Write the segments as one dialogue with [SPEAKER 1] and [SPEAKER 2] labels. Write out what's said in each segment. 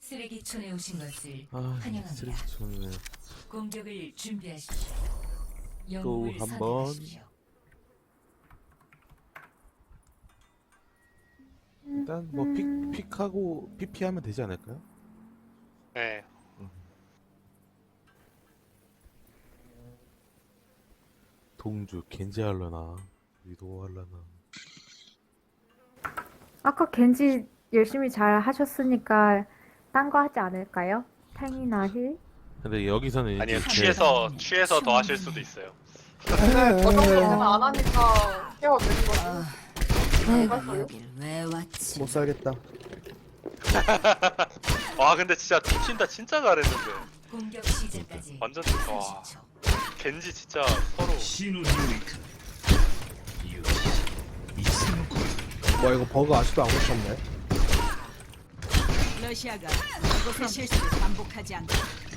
[SPEAKER 1] 쓰레기촌에 오신 것을
[SPEAKER 2] 아,
[SPEAKER 1] 환영합니다.
[SPEAKER 2] 쓰레기촌에
[SPEAKER 1] 공격을 준비하십시오.
[SPEAKER 2] 또
[SPEAKER 1] 영웅을
[SPEAKER 2] 한 번.
[SPEAKER 1] 선택하십시오.
[SPEAKER 2] 일단 뭐 픽하고 PP 하면 되지 않을까요?
[SPEAKER 3] 네.
[SPEAKER 2] 동주 겐지 할려나 위도 할려나.
[SPEAKER 4] 아까 겐지 열심히 잘 하셨으니까 딴 거 하지 않을까요? 탱이나 힐?
[SPEAKER 2] 근데 여기서는
[SPEAKER 3] 아니요,
[SPEAKER 2] 이제
[SPEAKER 3] 취해서 더 하실 수도 있어요.
[SPEAKER 5] 근데 저 정도는 안 하니까 케어 되는 거지.
[SPEAKER 1] 내가 여길 왜 왔지?
[SPEAKER 6] 못 살겠다.
[SPEAKER 3] 와, 근데 진짜 팀친다 진짜 잘했는데.
[SPEAKER 1] 공격 시작까지
[SPEAKER 3] 완전, 와.
[SPEAKER 1] 30초.
[SPEAKER 3] 겐지 진짜 서로.
[SPEAKER 6] 뭐 이거 버그 아직도 안 고쳤네.
[SPEAKER 7] 러시아가 이곳의 실수를 반복하지 않게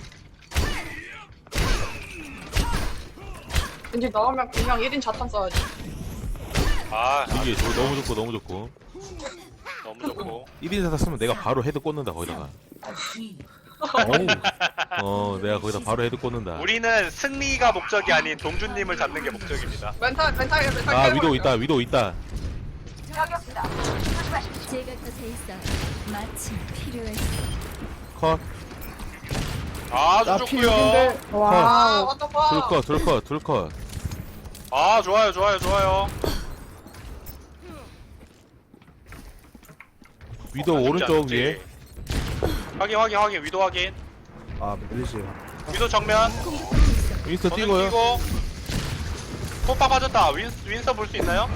[SPEAKER 5] 왠지 나오면 그냥 1인 자탄 써야지.
[SPEAKER 3] 아,
[SPEAKER 2] 이게 너무 좋고 너무 좋고
[SPEAKER 3] 너무 좋고.
[SPEAKER 2] 1인 사다 쓰면 내가 바로 헤드 꽂는다 거기다가. 내가 거기다 바로 헤드 꽂는다.
[SPEAKER 3] 우리는 승리가 목적이 아닌 동준님을 잡는 게 목적입니다.
[SPEAKER 5] 멘탈
[SPEAKER 2] 아 위도 있다 위도 있다.
[SPEAKER 1] 제가 곁에 있어. 마침 필요했어.
[SPEAKER 2] 컷.
[SPEAKER 3] 아주
[SPEAKER 6] 나
[SPEAKER 3] 좋고요.
[SPEAKER 6] 필인데.
[SPEAKER 5] 아,
[SPEAKER 6] 와.
[SPEAKER 5] what the fuck.
[SPEAKER 2] 둘컷.
[SPEAKER 3] 아, 좋아요.
[SPEAKER 2] 위도
[SPEAKER 3] 아,
[SPEAKER 2] 오른쪽
[SPEAKER 3] 쉽지
[SPEAKER 2] 위에.
[SPEAKER 3] 않지. 확인. 위도 확인.
[SPEAKER 6] 아 밀리지.
[SPEAKER 3] 위도 정면.
[SPEAKER 2] 윈스터
[SPEAKER 3] 저는
[SPEAKER 2] 뛰고요.
[SPEAKER 3] 뛰고. 포파 빠졌다. 윈서 볼 수 있나요?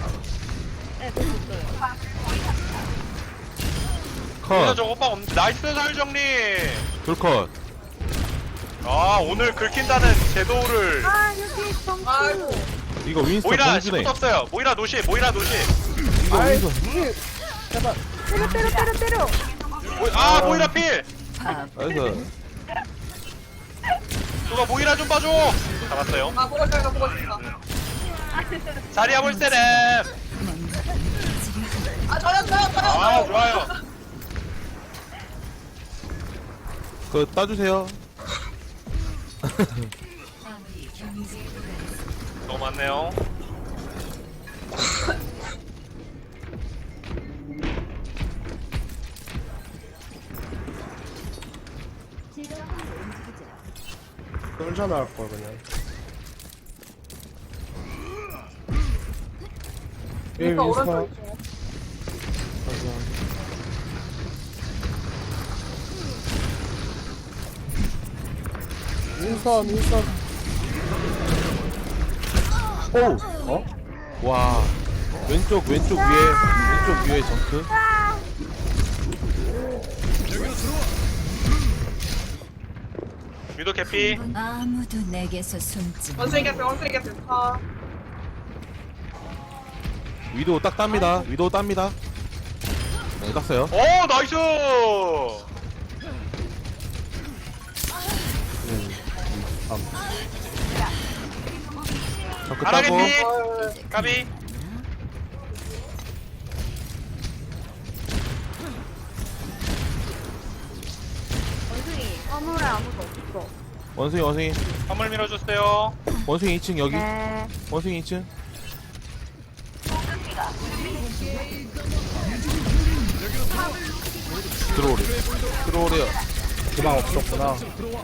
[SPEAKER 3] 윈서
[SPEAKER 2] 컷.
[SPEAKER 3] 저 오빠 없는데. 나이스 설 정리.
[SPEAKER 2] 둘컷.
[SPEAKER 3] 아, 오늘 긁힌다는 제도를.
[SPEAKER 5] 아이고.
[SPEAKER 2] 이거 윈스터
[SPEAKER 3] 모이라
[SPEAKER 2] 공주네.
[SPEAKER 3] 시부터 없어요. 모이라 노시.
[SPEAKER 2] 이거
[SPEAKER 6] 아이
[SPEAKER 2] 윈스터.
[SPEAKER 6] 이게 제발.
[SPEAKER 4] 때려!
[SPEAKER 3] 모이라 필.
[SPEAKER 2] 나이스.
[SPEAKER 3] 누가 모이라 좀 봐줘. 잡았어요.
[SPEAKER 5] 아, 보고 싶다.
[SPEAKER 3] 자리야 볼세렘.
[SPEAKER 5] 아, 저요.
[SPEAKER 3] 아, 좋아요.
[SPEAKER 2] 그거 따주세요.
[SPEAKER 1] 마무리 경기지에 도달했습니다.
[SPEAKER 3] 너무 많네요.
[SPEAKER 6] 떨자 나올 걸 그냥. 예
[SPEAKER 5] 그러니까
[SPEAKER 6] 윈스터.
[SPEAKER 5] 오른쪽 있죠.
[SPEAKER 6] 윈스터.
[SPEAKER 2] 오.
[SPEAKER 6] 어?
[SPEAKER 2] 와. 왼쪽 위에 점프.
[SPEAKER 3] 위도 캐피.
[SPEAKER 1] 아무도 내게서 숨지 마.
[SPEAKER 5] 원숭이 개피. 아,
[SPEAKER 2] 위도 딱 땁니다. 위도 땁니다. 네, 땄어요.
[SPEAKER 3] 오, 나이스.
[SPEAKER 2] 점프
[SPEAKER 3] 하나
[SPEAKER 2] 따고.
[SPEAKER 3] 캐피. 까비.
[SPEAKER 4] 화물에 아무도 없어.
[SPEAKER 2] 원숭이.
[SPEAKER 3] 화물 밀어주세요.
[SPEAKER 2] 원숭이 2층 여기.
[SPEAKER 4] 네.
[SPEAKER 2] 원숭이 2층. 들어오래요.
[SPEAKER 6] 그만 없었구나.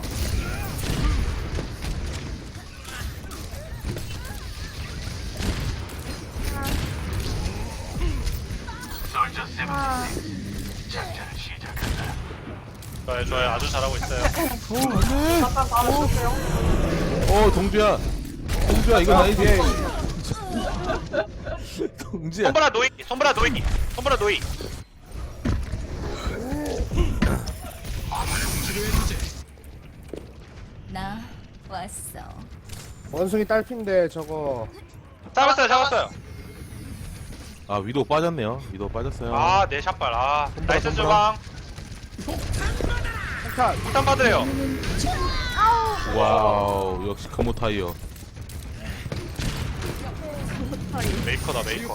[SPEAKER 3] 좋아요. 아주 잘하고 있어요.
[SPEAKER 5] 자탄 바로 주세요.
[SPEAKER 2] 동주야 이건 아니지. 동주야.
[SPEAKER 3] 손보라 노이.
[SPEAKER 1] 나 왔어.
[SPEAKER 6] 원숭이 딸핀데 저거.
[SPEAKER 3] 잡았어요.
[SPEAKER 2] 아 위도 빠졌네요. 위도 빠졌어요.
[SPEAKER 3] 아, 내 샷발. 아, 나이스 주방.
[SPEAKER 6] 한칸.
[SPEAKER 3] 일단 받으래요.
[SPEAKER 2] 와우 역시 금호 타이어.
[SPEAKER 3] 메이커다, 메이커.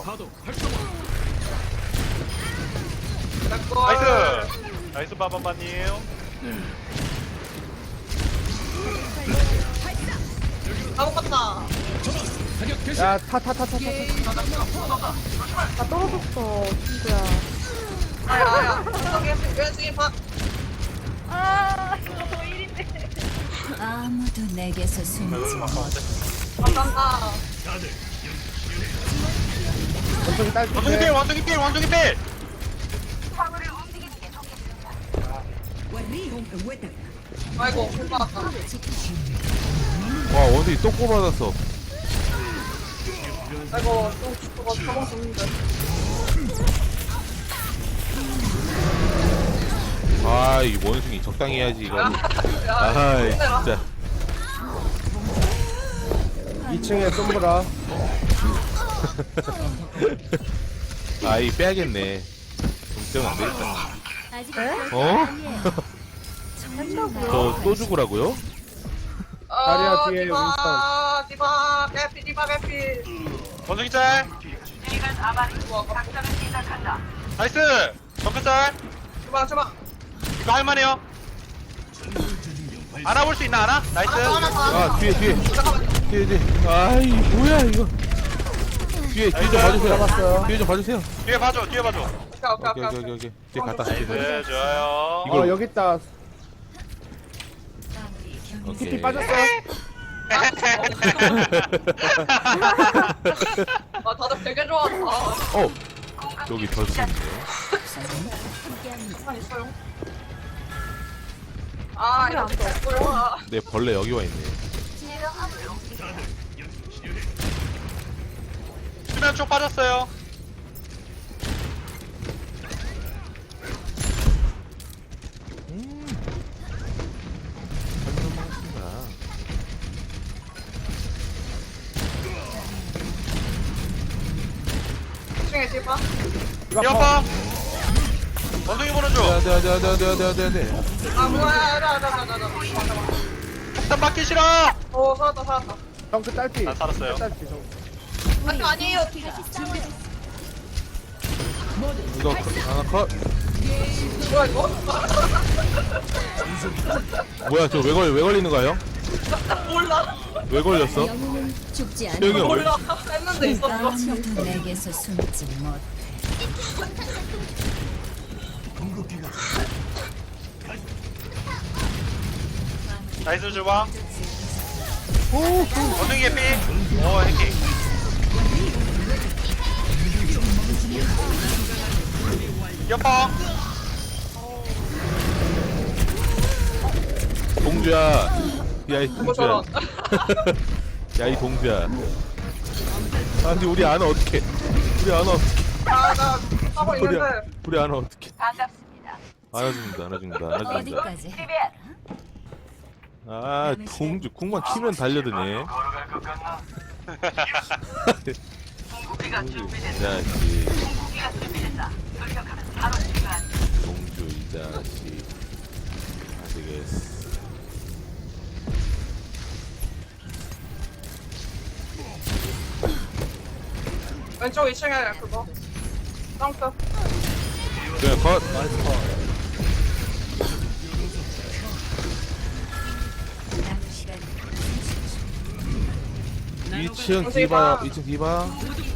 [SPEAKER 5] 내 거.
[SPEAKER 3] 나이스. 나이스, 빠밤바님.
[SPEAKER 5] 아무것도.
[SPEAKER 6] 야, 타.
[SPEAKER 4] 나 떨어졌어, 친구야.
[SPEAKER 5] 아야. 저기 왼쪽에 봐.
[SPEAKER 1] 아무도 내게서 숨지 못.
[SPEAKER 5] 감사합니다.
[SPEAKER 6] 원숭이
[SPEAKER 3] 원숭이 필
[SPEAKER 6] 딸핀데.
[SPEAKER 3] 원숭이 필 원숭이 필.
[SPEAKER 5] 아이고 못 받았다.
[SPEAKER 2] 와 원숭이 또 꼽아놨어.
[SPEAKER 5] 아이고 저거 저거 죽는데.
[SPEAKER 2] 아이 원숭이 적당히 해야지 이거. 아이 진짜.
[SPEAKER 6] 2층에 솜브라.
[SPEAKER 2] 아이 빼야겠네. 동점 안 되겠다.
[SPEAKER 1] 아직
[SPEAKER 2] 어?
[SPEAKER 1] 한다고요?
[SPEAKER 2] 저 또 죽으라고요?
[SPEAKER 6] 다리야, 뒤에
[SPEAKER 5] 디바 개피.
[SPEAKER 3] 원숭이 짤. 나이스. 정크 짤.
[SPEAKER 5] 주방.
[SPEAKER 3] 이거 할만해요. 알아볼 수 있나 알아? 나이스.
[SPEAKER 2] 아 뒤에.
[SPEAKER 5] 잠깐만.
[SPEAKER 2] 뒤에. 아이 뭐야 이거. 뒤에 좀 봐주세요.
[SPEAKER 6] 잡았어요.
[SPEAKER 2] 뒤에 좀 봐주세요.
[SPEAKER 3] 뒤에 봐줘.
[SPEAKER 2] 오케이. 뒤에 갔다.
[SPEAKER 3] 나이스 좋아요.
[SPEAKER 2] 이거-
[SPEAKER 6] 여기 있다.
[SPEAKER 2] 오케이.
[SPEAKER 6] TP 빠졌어.
[SPEAKER 5] 아 다들 되게 좋아한다.
[SPEAKER 2] 어 여기 덜수 있네.
[SPEAKER 5] 가만 있어요. 아 이거 뭐야?
[SPEAKER 2] 내 벌레 여기 와 있네.
[SPEAKER 3] 수면 쪽 빠졌어요.
[SPEAKER 5] 중에 디바.
[SPEAKER 3] 뛰어봐. 원숭이 보는 중.
[SPEAKER 2] 네.
[SPEAKER 5] 아 뭐야? 나.
[SPEAKER 3] 폭탄 맞기 싫어.
[SPEAKER 5] 오 살았다.
[SPEAKER 6] 정크 딸피.
[SPEAKER 3] 난 살았어요.
[SPEAKER 6] 딸피 정크.
[SPEAKER 5] 아니에요.
[SPEAKER 2] 이거 하나 컷.
[SPEAKER 5] 뭐야 이거?
[SPEAKER 2] 뭐야 저 왜 걸리는 거예요?
[SPEAKER 5] 몰라.
[SPEAKER 2] 왜 걸렸어?
[SPEAKER 1] 영웅은 죽지 않아.
[SPEAKER 2] 태영이 형 왜?
[SPEAKER 5] 몰라. 했는데 있었어.
[SPEAKER 1] 아무도 내게서 숨지 못.
[SPEAKER 3] 나이스 주방. 원숭이 개피. 오 해킹. 옆방.
[SPEAKER 2] 동주야. 야이
[SPEAKER 5] 뭐
[SPEAKER 2] 동주야.
[SPEAKER 5] 저런.
[SPEAKER 2] 야이 동주야. 아니 우리 아는 어떻게? 우리 아는 어떻게?
[SPEAKER 5] 아나 하고
[SPEAKER 2] 우리
[SPEAKER 5] 있는데.
[SPEAKER 2] 우리 아는 어떻게? 안아줍니다.
[SPEAKER 1] 어디까지?
[SPEAKER 2] 아 동주 궁만 키면 달려드네. 동주 이 자식. 동주 이 자식. 안 되겠어.
[SPEAKER 5] 왼쪽 2층에 그거. 점프.
[SPEAKER 2] 그래 컷. 2층 디바. 2층 디바.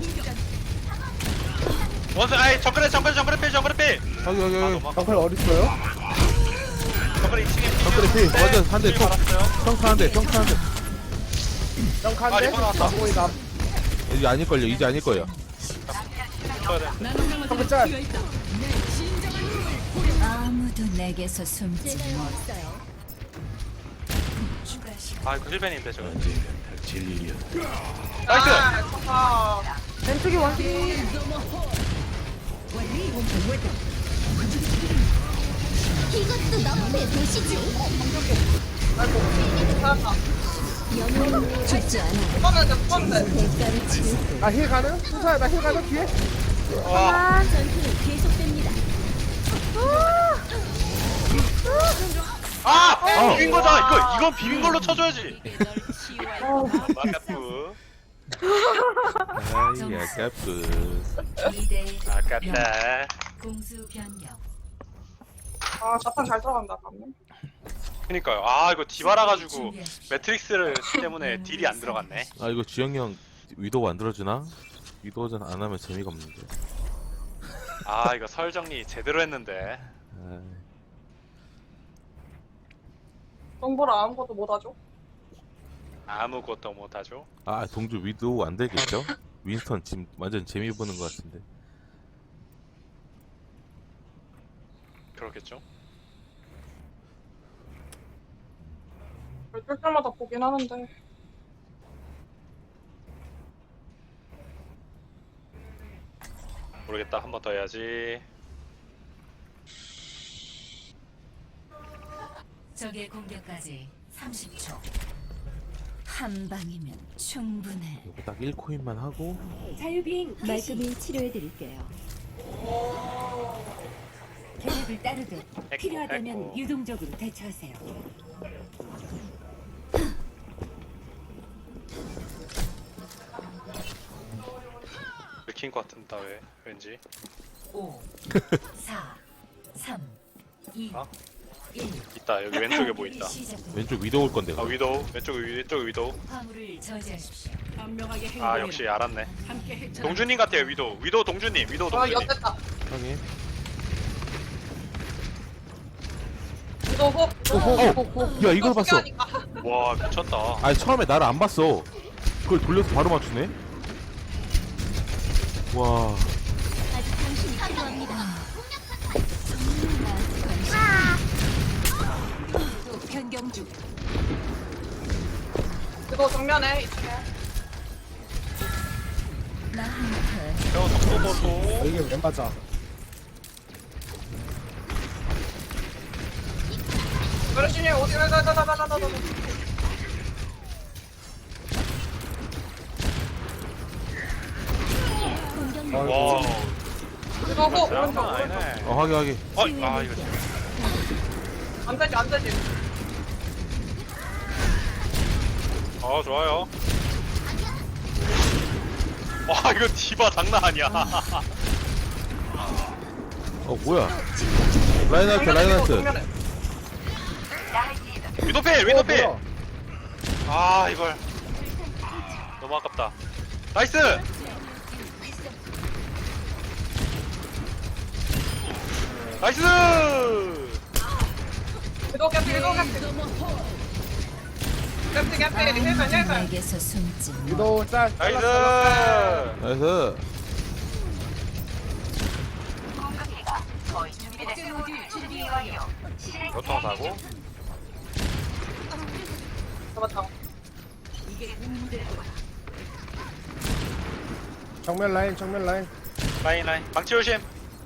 [SPEAKER 3] 원숭이 아이 정글에 필.
[SPEAKER 2] 여기.
[SPEAKER 6] 정클 어딨어요?
[SPEAKER 3] 정글에 2층에.
[SPEAKER 2] 정글에 필. 완전 한 대.
[SPEAKER 3] 알았어요.
[SPEAKER 2] 평타 한 대.
[SPEAKER 6] 정크
[SPEAKER 3] 아,
[SPEAKER 6] 한 대.
[SPEAKER 3] 리본 나왔다.
[SPEAKER 6] 거의 남.
[SPEAKER 2] 이제 아닐걸요. 이제 아닐거예요.
[SPEAKER 6] 정크 짤.
[SPEAKER 1] 아무도 내게서 숨지 못.
[SPEAKER 3] 아 이거 힐벤인데 저거. 나이스.
[SPEAKER 5] 아 좋다.
[SPEAKER 4] 왼쪽이 원숭이.
[SPEAKER 1] 이것도 너프의 도시지.
[SPEAKER 5] 아이고 살았다.
[SPEAKER 1] 영웅은 죽지 않아.
[SPEAKER 5] 뽑았는데.
[SPEAKER 1] 대가를 치르.
[SPEAKER 6] 나 힐 가능? 순서야 나 힐 가능 뒤에?
[SPEAKER 3] 와.
[SPEAKER 1] 전투는 계속됩니다.
[SPEAKER 3] 아 비빈 거다. 이건 비빈 걸로 쳐줘야지. 아깝고.
[SPEAKER 2] 아이 아깝고.
[SPEAKER 1] 2대
[SPEAKER 3] 아깝다.
[SPEAKER 1] 공수 변경.
[SPEAKER 5] 아 자판 잘 들어간다 방금.
[SPEAKER 3] 그니까요. 아 이거 디바라 가지고
[SPEAKER 1] 준비하십시오.
[SPEAKER 3] 매트릭스를 때문에 딜이 안 들어갔네.
[SPEAKER 2] 아 이거 주영이 형 위도우 만들어주나? 위도우전 안 하면 재미가 없는데.
[SPEAKER 3] 아 이거 설 정리 제대로 했는데.
[SPEAKER 2] 아이,
[SPEAKER 5] 정보라 아무것도 못하죠.
[SPEAKER 3] 아무것도 못하죠.
[SPEAKER 2] 아 동주 위도우 안 되겠죠? 윈스턴 지금 완전 재미 보는 것 같은데.
[SPEAKER 3] 그렇겠죠.
[SPEAKER 5] 뜰 때마다 보긴 하는데.
[SPEAKER 3] 모르겠다. 한 번 더 해야지.
[SPEAKER 1] 적의 공격까지 30초. 한 방이면 충분해.
[SPEAKER 2] 이거 딱 1코인만 하고
[SPEAKER 1] 자유비행 말끔히 치료해드릴게요. 계획을 따르듯 필요하다면 유동적으로 대처하세요.
[SPEAKER 3] 느낀 것 같은다 왜? 왠지.
[SPEAKER 1] 5, 4, 3, 2,
[SPEAKER 3] 아?
[SPEAKER 1] 1.
[SPEAKER 3] 있다. 여기 왼쪽에 뭐 있다.
[SPEAKER 2] 왼쪽 위도우 올 건데.
[SPEAKER 3] 아 위도우. 왼쪽 위도우.
[SPEAKER 1] 화물을 저지하십시오.
[SPEAKER 7] 현명하게
[SPEAKER 3] 아
[SPEAKER 7] 행동해라.
[SPEAKER 3] 역시 알았네.
[SPEAKER 7] 함께 해쳐.
[SPEAKER 3] 동준님 같아요 위도우. 위도우 동준님. 위도우
[SPEAKER 5] 아
[SPEAKER 3] 동준님.
[SPEAKER 5] 엿됐다.
[SPEAKER 2] 확인.
[SPEAKER 5] 또 호.
[SPEAKER 2] 야 이걸 봤어.
[SPEAKER 3] 와 미쳤다.
[SPEAKER 2] 아니 처음에 나를 안 봤어. 그걸 돌려서 바로 맞추네. 와.
[SPEAKER 1] 아직 당신이 필요합니다. 또 변경 중.
[SPEAKER 5] 이거 정면에 이쪽에.
[SPEAKER 1] 나한테
[SPEAKER 3] 저 속도 보소.
[SPEAKER 6] 이게 왜 맞아?
[SPEAKER 5] 그러시니 어디 가자자자자자자.
[SPEAKER 3] 와.
[SPEAKER 5] 이거 호 오른쪽
[SPEAKER 3] 장난
[SPEAKER 5] 오른쪽.
[SPEAKER 3] 아니네.
[SPEAKER 2] 확인 확인.
[SPEAKER 3] 아 이거 진짜.
[SPEAKER 5] 안 되지 안 되지.
[SPEAKER 3] 좋아요. 와 이거 디바 장난 아니야.
[SPEAKER 2] 뭐야? 라인하트 라인하트.
[SPEAKER 5] 정면에.
[SPEAKER 3] 위도필 위도필.
[SPEAKER 6] 뭐야?
[SPEAKER 3] 아 이걸 너무 아깝다. 나이스. 나이스.
[SPEAKER 5] 이거 캡 이거 캡. 캡 힐벤.
[SPEAKER 1] 내게서 숨지 마.
[SPEAKER 6] 위도우 짤.
[SPEAKER 3] 나이스.
[SPEAKER 2] 나이스.
[SPEAKER 3] 교통 사고.
[SPEAKER 5] 잡았다.
[SPEAKER 6] 정면 라인 정면 라인.
[SPEAKER 3] 라인 방치 조심.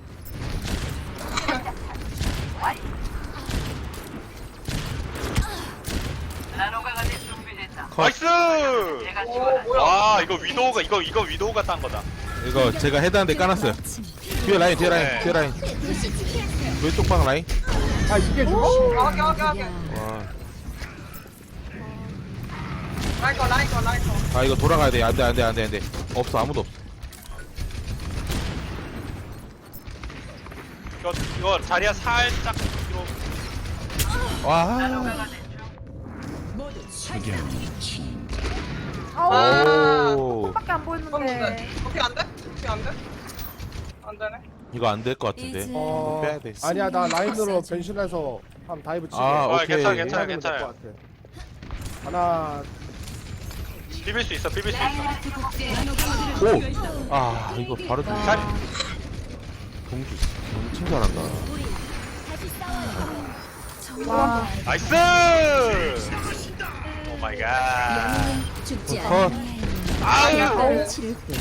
[SPEAKER 3] 나이스.
[SPEAKER 5] 오 뭐야?
[SPEAKER 3] 와 이거 위도우가 이거 위도우가 딴 거다.
[SPEAKER 2] 이거 제가 헤드한테 까놨어요. 뒤에 라인 뒤에 라인
[SPEAKER 3] 네.
[SPEAKER 2] 뒤에 라인. 왼쪽 방 라인.
[SPEAKER 6] 아 이게 죽어?
[SPEAKER 5] 하게.
[SPEAKER 2] 와.
[SPEAKER 5] 라이커.
[SPEAKER 2] 아 이거 돌아가야 돼. 안돼. 없어 아무도 없어.
[SPEAKER 3] 이거 자리야 살짝 뒤로.
[SPEAKER 2] 와.
[SPEAKER 5] 아.
[SPEAKER 2] 오.
[SPEAKER 4] 밖에 안 보이는데.
[SPEAKER 5] 어떻게 안 돼? 어떻게 안 돼? 안 되네.
[SPEAKER 2] 이거 안 될 것 같은데.
[SPEAKER 1] 이제
[SPEAKER 2] 빼야 돼.
[SPEAKER 6] 아니야 나 라인으로 변신해서 한 다이브 치게.
[SPEAKER 2] 아, 오케이.
[SPEAKER 3] 괜찮아
[SPEAKER 6] 해야 되면
[SPEAKER 3] 괜찮아.
[SPEAKER 6] 될것 같아. 하나
[SPEAKER 3] 비빌 수 있어.
[SPEAKER 2] 오. 아 이거 바로 좀.
[SPEAKER 3] 자리.
[SPEAKER 2] 동주 엄청 잘한다.
[SPEAKER 4] 와.
[SPEAKER 3] 나이스. 오 마이 갓.
[SPEAKER 1] 영웅은 죽지
[SPEAKER 2] 컷.
[SPEAKER 1] 않아요.
[SPEAKER 3] 아유.
[SPEAKER 1] 약간의 치를 뿐.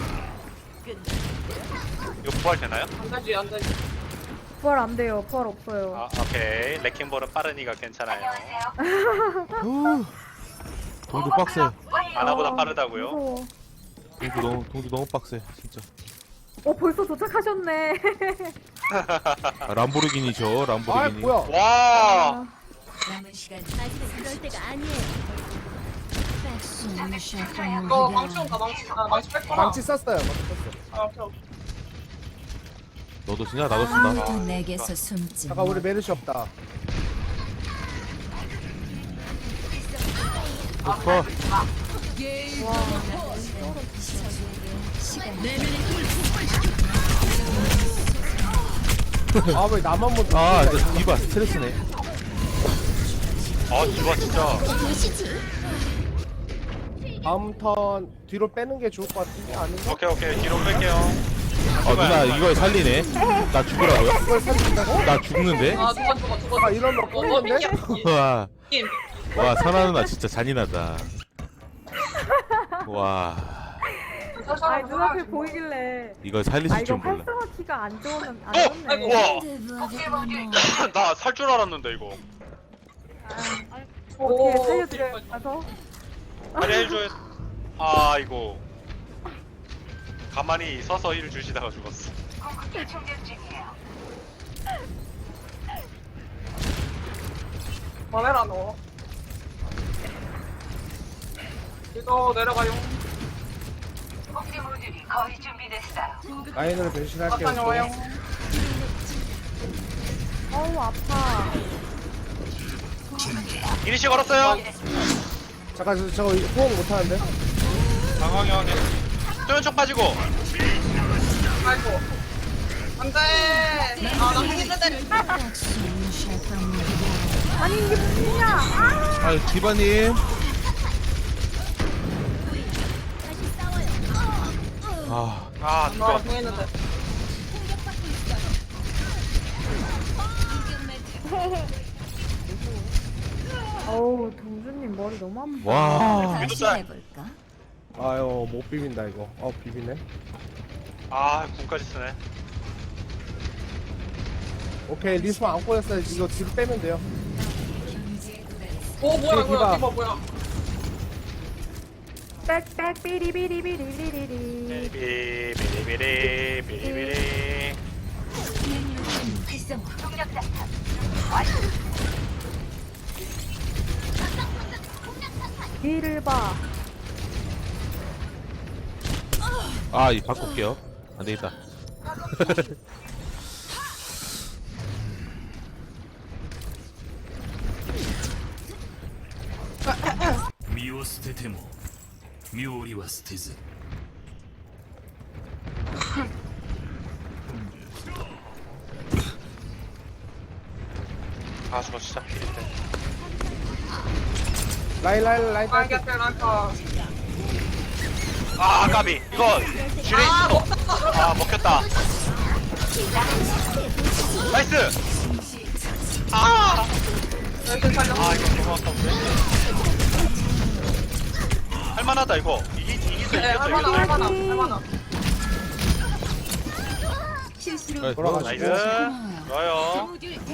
[SPEAKER 3] 이거 부활 되나요?
[SPEAKER 5] 안 되지.
[SPEAKER 4] 부활 안 돼요. 부활 없어요.
[SPEAKER 3] 아 오케이. 레킹볼은 빠르니까 괜찮아요.
[SPEAKER 2] 후. 동주 빡세.
[SPEAKER 3] 아나보다 빠르다고요?
[SPEAKER 4] 무서워.
[SPEAKER 2] 동주 너무 빡세 진짜.
[SPEAKER 4] 벌써 도착하셨네.
[SPEAKER 2] 아, 람보르기니죠
[SPEAKER 6] 아
[SPEAKER 2] 람보르기니.
[SPEAKER 6] 뭐야?
[SPEAKER 3] 와.
[SPEAKER 1] 남은 시간 아직 그럴 때가 아니에요.
[SPEAKER 5] 이거 망치 온다 망치. 아 망치 뺄 거라.
[SPEAKER 6] 망치 썼어요. 망치 썼어.
[SPEAKER 5] 아 오케이.
[SPEAKER 2] 너도 쓰냐? 나도 쓴다.
[SPEAKER 1] 아무도 내게서 숨지
[SPEAKER 6] 잠깐 우리 메르시 없다.
[SPEAKER 2] 컷.
[SPEAKER 6] 아 왜 나만 못?
[SPEAKER 2] 아, 진짜 디바 스트레스네.
[SPEAKER 3] 아 디바 진짜.
[SPEAKER 6] 다음 턴 뒤로 빼는 게 좋을 것 같은데 아닌가?
[SPEAKER 3] 오케이 뒤로 뺄게요.
[SPEAKER 2] 어, 누나 이걸 살리네. 나 죽으라고요?
[SPEAKER 6] 이걸 살린다고?
[SPEAKER 2] 나 죽는데?
[SPEAKER 5] 아 누가
[SPEAKER 6] 아 이러면 꼴인데?
[SPEAKER 2] 와, 와, 선아 누나 진짜 잔인하다. 와,
[SPEAKER 4] 아 눈앞에 보이길래
[SPEAKER 2] 이걸
[SPEAKER 4] 아
[SPEAKER 2] 살리실
[SPEAKER 4] 이거
[SPEAKER 2] 줄 몰라.
[SPEAKER 4] 활성화 키가 안 좋으면 안
[SPEAKER 3] 아이고
[SPEAKER 4] 좋네.
[SPEAKER 3] 와. 나 살 줄 알았는데 이거.
[SPEAKER 4] 어떻게 살려드려요? 가서
[SPEAKER 3] 빨리 해줘. 아 이거. 가만히 서서 힐 주시다가 죽었어.
[SPEAKER 5] 뭐해라 너. 이거 내려가요.
[SPEAKER 6] 라인으로 변신할게요.
[SPEAKER 5] 아빠는 와요.
[SPEAKER 4] 어우 아파.
[SPEAKER 3] 이니시 걸었어요.
[SPEAKER 6] 잠깐 저거 호응 못하는데?
[SPEAKER 3] 당황해 하게. 쪽 빠지고.
[SPEAKER 5] 아이고. 안돼. 아나 힘든데.
[SPEAKER 4] 아니 이게 무슨이야?
[SPEAKER 2] 아, 디바님. 아,
[SPEAKER 3] 아
[SPEAKER 5] 아
[SPEAKER 3] 누가.
[SPEAKER 5] 공했는데.
[SPEAKER 4] 어우 동주님 머리 너무 아파.
[SPEAKER 2] 와.
[SPEAKER 1] 다시 해볼까?
[SPEAKER 6] 아유 못 비빈다 이거. 비비네.
[SPEAKER 3] 아 군까지 쓰네.
[SPEAKER 6] 오케이 리스폰 안 꼬였어요. 이거 뒤로 빼면 돼요.
[SPEAKER 5] 오 뭐야
[SPEAKER 6] 디바.
[SPEAKER 5] 뭐야 디바 뭐야.
[SPEAKER 4] 빽빽 삐리비리비리비리리.
[SPEAKER 3] 비리비리.
[SPEAKER 4] 뒤를 봐.
[SPEAKER 2] 아, 이 바꿀게요. 안 되겠다.
[SPEAKER 3] 아 저거 진짜 필인데.
[SPEAKER 6] 라인
[SPEAKER 5] 라인
[SPEAKER 6] 딸기.
[SPEAKER 5] 곁에 라인카.
[SPEAKER 3] 아 까비. 이거 쥐레 있어. 아 먹혔다. 나이스. 아.
[SPEAKER 5] 여기 살려.
[SPEAKER 3] 아 이거 너무 아까운데. 할만하다 이거. 이길 수
[SPEAKER 5] 네
[SPEAKER 3] 있겠어
[SPEAKER 5] 할만하
[SPEAKER 3] 이거.
[SPEAKER 5] 할만하.
[SPEAKER 1] 실수로
[SPEAKER 6] 돌아가시고.
[SPEAKER 3] 나이스. 좋아요.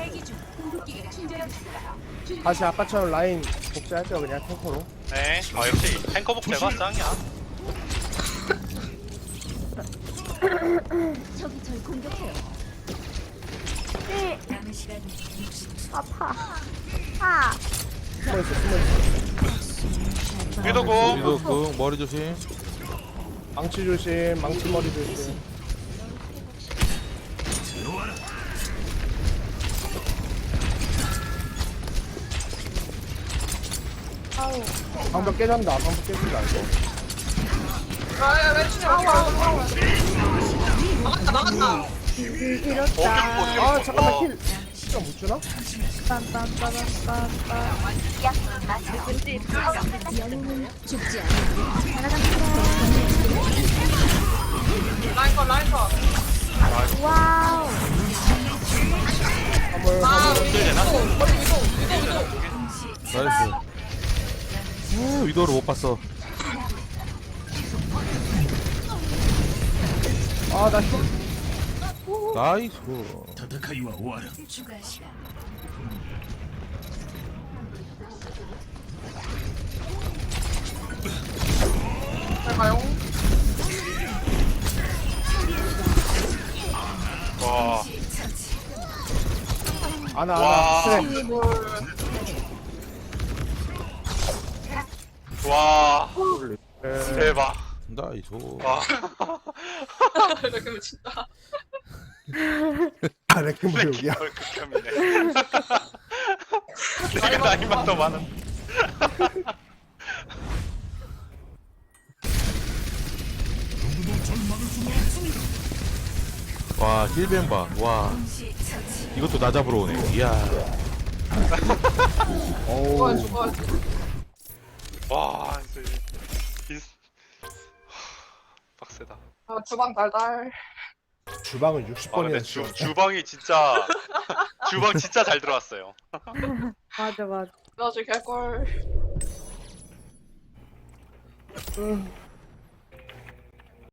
[SPEAKER 6] 다시 아까처럼 라인 복제할게요 그냥 탱커로.
[SPEAKER 3] 네. 아 역시 탱커 복제가 짱이야.
[SPEAKER 1] 저기 절 공격해요. 남은 시간
[SPEAKER 4] 아파. 아.
[SPEAKER 6] 숨어있어 숨어있어.
[SPEAKER 3] 위도고.
[SPEAKER 2] 이거 그 머리 조심.
[SPEAKER 6] 망치 조심. 망치 머리 조심. 방벽 깨진다. 방벽 깨진다 이거.
[SPEAKER 5] 아야 왼쪽에 아우. 나갔다.
[SPEAKER 4] 이렇다.
[SPEAKER 6] 아 잠깐만 힐. 진짜 못 주나?
[SPEAKER 4] 빰빰빰빰빰빰.
[SPEAKER 1] 영웅은 죽지 않아.
[SPEAKER 5] 라인카.
[SPEAKER 4] 와우.
[SPEAKER 6] 화물
[SPEAKER 5] 아
[SPEAKER 6] 화물.
[SPEAKER 3] 되나?
[SPEAKER 2] 나이스. 위도를 못 봤어.
[SPEAKER 6] 아나 힐.
[SPEAKER 2] 나이스.
[SPEAKER 1] 추가 시간.
[SPEAKER 5] 잘 가요.
[SPEAKER 3] 와.
[SPEAKER 6] 아나
[SPEAKER 3] 와.
[SPEAKER 6] 트랙.
[SPEAKER 3] 와.
[SPEAKER 6] 에.
[SPEAKER 3] 대박.
[SPEAKER 2] 나이스.
[SPEAKER 3] 와.
[SPEAKER 5] 이렇게 진짜.
[SPEAKER 6] 아 레킹볼 여기야.
[SPEAKER 3] 뭘 극혐이네. 내가 나이만 더 많은.
[SPEAKER 2] 와 힐벤 봐. 와 이것도 나 잡으러 오네. 이야.
[SPEAKER 6] 어우.
[SPEAKER 5] 죽어.
[SPEAKER 3] 와 진짜 빡세다.
[SPEAKER 5] 아, 주방 달달.
[SPEAKER 6] 주방을
[SPEAKER 3] 아
[SPEAKER 6] 60번이나
[SPEAKER 3] 근데
[SPEAKER 6] 씌워.
[SPEAKER 3] 주방이 진짜 주방 진짜 잘 들어왔어요.
[SPEAKER 4] 맞아 맞아.
[SPEAKER 5] 나중에 개꿀.